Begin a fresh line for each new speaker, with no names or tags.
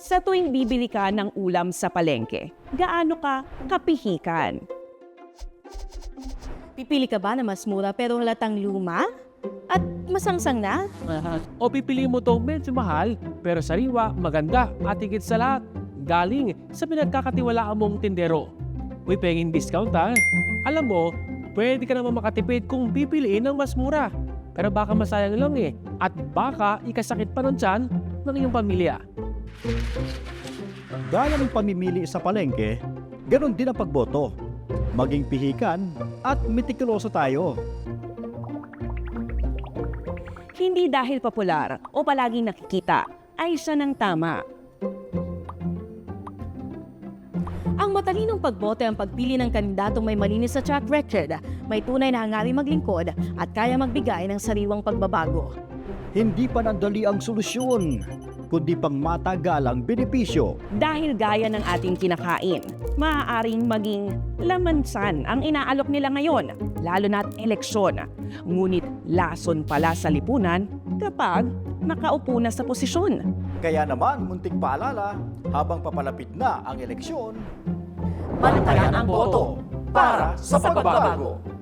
Sa tuwing bibili ka ng ulam sa palengke, gaano ka kapihikan?
Pipili ka ba na mas mura pero halatang luma? At masangsang na?
O pipili mo to medyo mahal, pero sariwa, maganda at higit sa lahat, galing sa pinagkakatiwalaan mong tindero. Uy, penging discount ha. Alam mo, pwede ka naman makatipid kung pipiliin ng mas mura. Pero baka masayang lang eh, at baka ikasakit pa ng tiyan ng iyong pamilya.
Gaya ng pamimili sa palengke, ganon din ang pagboto. Maging pihikan at metikuloso tayo.
Hindi dahil popular o palaging nakikita, ay siya ng tama.
Ang matalinong pagboto ang pagpili ng kandidatong may malinis na track record, may tunay na hangaring maglingkod at kaya magbigay ng sariwang pagbabago.
Hindi panandali ang solusyon, kundi pang matagalang benepisyo.
Dahil gaya ng ating kinakain, maaaring maging lamansan ang inaalok nila ngayon, lalo na't eleksyon. Ngunit lason pala sa lipunan kapag nakaupo na sa posisyon.
Kaya naman, munting paalala, habang papalapit na ang eleksyon,
Bantayan ang boto
para sa pagbabago.